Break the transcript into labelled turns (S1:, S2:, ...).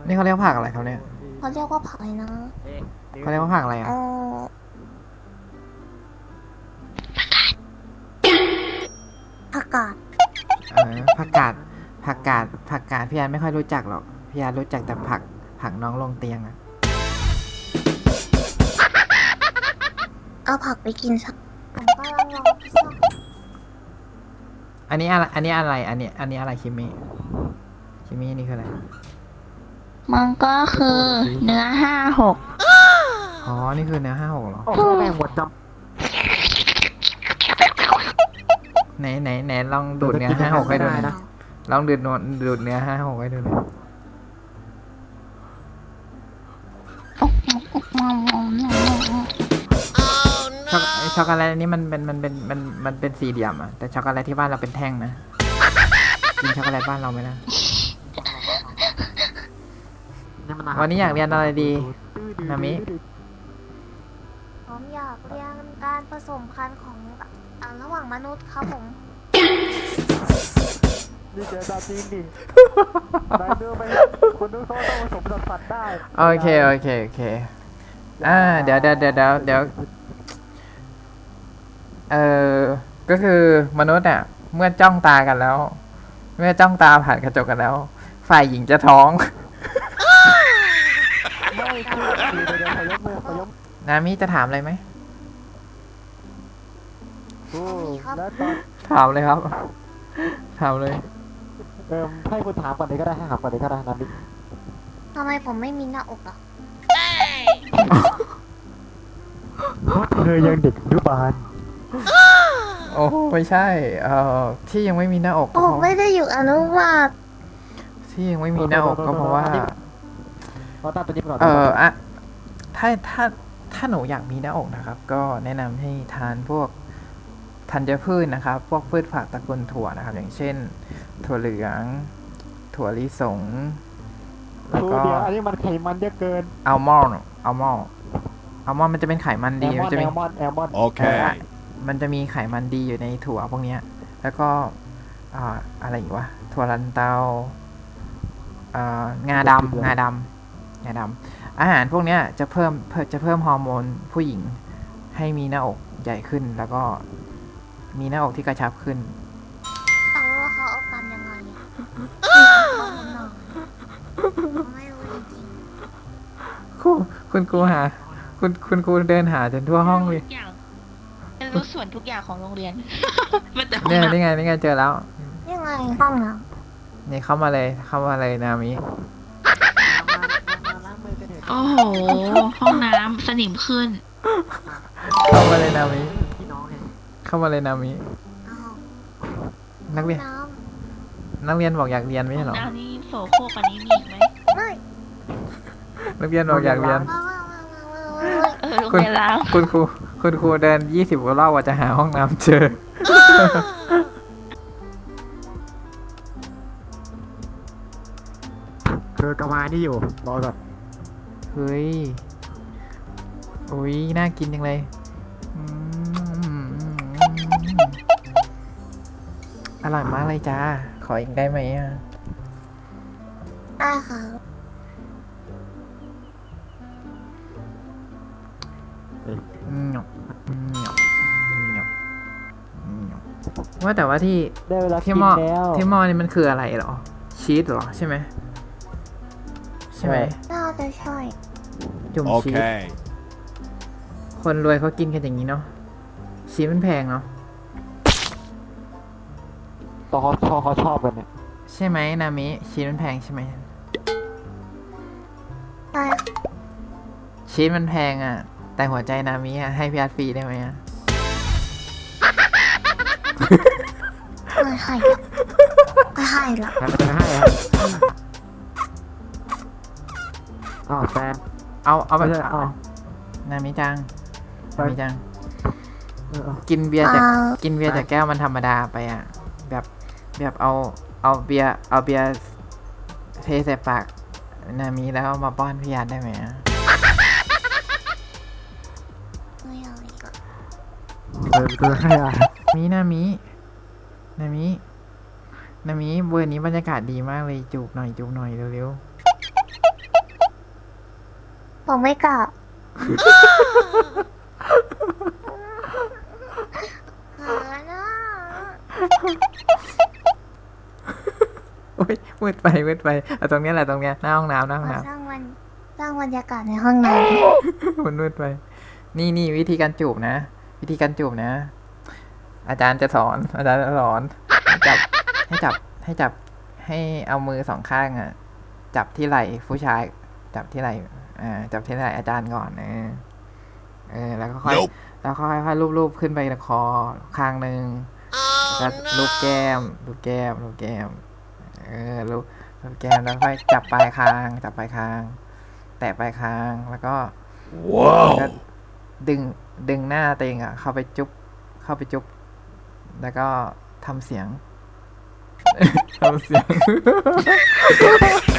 S1: นี่เขาเรียกผักอะไรครับเนี่ย
S2: เขาเรียกว่าผักอะไรนะ
S1: เขาเรียกว่าผักอะไรอ่ะ
S2: ผักกาด
S1: ผักกาดผักกาดพี่อาร์ไม่ค่อยรู้จักหรอกพี่อาร์รู้จักแต่ผักน้องลงเตียงอ่ะ
S2: เอาผักไปกินสักผมก็ลองรอพิซซ่า
S1: อันนี้อะไรอันนี้อะไรคิมินี่คืออะไร
S3: มันก็คือเนื้อ56
S1: อ๋อนี่คือเนื้อ56เหรอ
S4: แม่งหมดจ
S1: ไหนลองดูดเนื้อ56ให้ดูหน่อยลองดูดเนื้อ56ให้ดูหน่อยช็อกโกแลตอันนี้มันเป็นสี่เหลี่ยมอ่ะแต่ช็อกโกแลตที่บ้านเราเป็นแท่งนะกินช็อกโกแลตบ้านเราไหมล่ะวันนี้อยากเรียนอะไรดีนามิ
S2: ผมอยากเรียนการผสมพันธุ์ของระหว่างมนุษย์ครับผม
S4: นี่เจอตาจีนดินายเนื้อไม่คนนึกเขาต้องผสมสัตว์ได้
S1: โอเคเดี๋ยวก็คือมนุษย์อ่ะเมื่อจ้องตากันแล้วเมื่อจ้องตาผ่านกระจกกันแล้วฝ่ายหญิงจะท้อง
S4: ไม่คือเดี๋ยวขยก
S1: นามิจะถามอะไรไหม
S4: โอ้แล้วตอน
S1: ถามเลยครับถามเลย
S4: ให้คุณถามก่อนเลยก็ได้ให้ถามก่อนเลยก็ได้นามิ
S2: ทำไมผมไม่มีหน้าอกอ่ะ
S4: เธอยังเด็กอนุบาล
S1: โอ้ไม่ใช่ที่ยังไม่มีหน้าอก
S2: ผมไม่ได้อยู่อนุบาล
S1: ที่ยังไม่มีหน้าอกก็เพราะว่าอะถ้าหนูอยากมีหน้าอกนะครับก็แนะนำให้ทานพวกธัญพืชนะครับพวกพืชผักตระกูลถั่วนะครับอย่างเช่นถั่วเหลืองถั่วลิสงแล้วก็
S4: เดี๋ยวอันนี้มันไขมันเยอะเกิน
S1: อัลมอนด์มันจะเป็นไขมันดีมันจะมี
S4: โอเค
S1: มันจะมีไขมันดีอยู่ในถั่วพวกนี้แล้วก็อะไรอีกวะถั่วลันเตางาดำอาหารพวกนี้จะเพิ่มฮอร์โมนผู้หญิงให้มีหน้าอกใหญ่ขึ้นแล้วก็มีหน้าอกที่กระชับขึ้น
S2: แต่ว่าเขาเอากันยังไงไม่รู้จริง
S1: คุณครูหาคุณครูเดินหาจนทั่วห้องเลย
S3: รู้ส่วนทุกอย่างของโรงเรียน
S1: เนี่ยนี่ไงเจอแล้ว
S2: ยังไงห้องน้
S1: ำนี่เข้ามาเลยนามิ
S3: โอ้โหห้องน้ำสนิมขึ้น
S1: เข้ามาเลยนามินักเรียนบอกอยากเรียนไม่ใช่หรอ
S3: น้ำนี่โสโครกอันนี้มีอีกไหม
S2: ไม่
S1: นักเรียนบอกอยากเรียนคุณครูเดิน20 กว่ารอบว่าจะหาห้องน้ำเจอ
S4: คือกระมานี่อยู่รอก่อน
S1: เฮ้ยอุ้ยน่ากินจังเลยอร่อยมากเลยจ้าขออีกได้ไหมอ่ะ
S2: ได้ค่ะ
S1: ว่าแต่ว่าที่หม้อนี่มันคืออะไรหรอชีสหรอใช่ไหม
S2: น่าจะใช่
S1: จุ่มชีสคนรวยเขากินกันอย่างนี้เนาะชีสมันแพงเนาะ
S4: ตอนเขาชอบกันเนี่ย
S1: ใช่ไหมนามิชีสมันแพงใช่ไหม
S2: ใช่
S1: ชีสมันแพงอ่ะแต่หัวใจนามิอ่ะให้พี่อาร์ตฟรีได้ไหมอ่ะ
S2: ไม่ให้หรอก
S4: แฟน
S1: เอาไปนามิจังกินเบียร์จากแก้วมันธรรมดาไปอ่ะแบบเอาเบียร์เทใส่ปากนามิแล้วมาป้อนพี่อาร์ตได้ไหมอ่ะ
S2: ไม่เอาอีกอ่ะ
S4: ให้อ่ะ
S1: นามิเบอร์นี้บรรยากาศดีมากเลยจูบหน่อยเร็ว
S2: ผมไม่กลับหานะ
S1: โอ้ยมืดไปเอาตรงเนี้ยแหละตรงเนี้ยหน้าห้องน้ำหน้าห้อง
S2: มา
S1: น้
S2: สร้างบรรยากาศในห้องน้
S1: ำ มันมืดไป นี่วิธีการจูบนะ วิธีการจูบนะ อาจารย์จะสอนให้เอามือสองข้างอ่ะ จับที่ไหล่ผู้ชาย จับที่ไหล่จับที่ไหล่อาจารย์ก่อนแล้วก็ค่อยรูปขึ้นไปคอข้างหนึ่งแล้วรูปแก้มรูปแก้มรูปแก้มแล้วค่อยจับปลายคาง แตะปลายคางแล้วก็ดึงหน้าตัวเองอ่ะ เข้าไปจุ๊บแล้วก็ทำเสียง ทำเสียง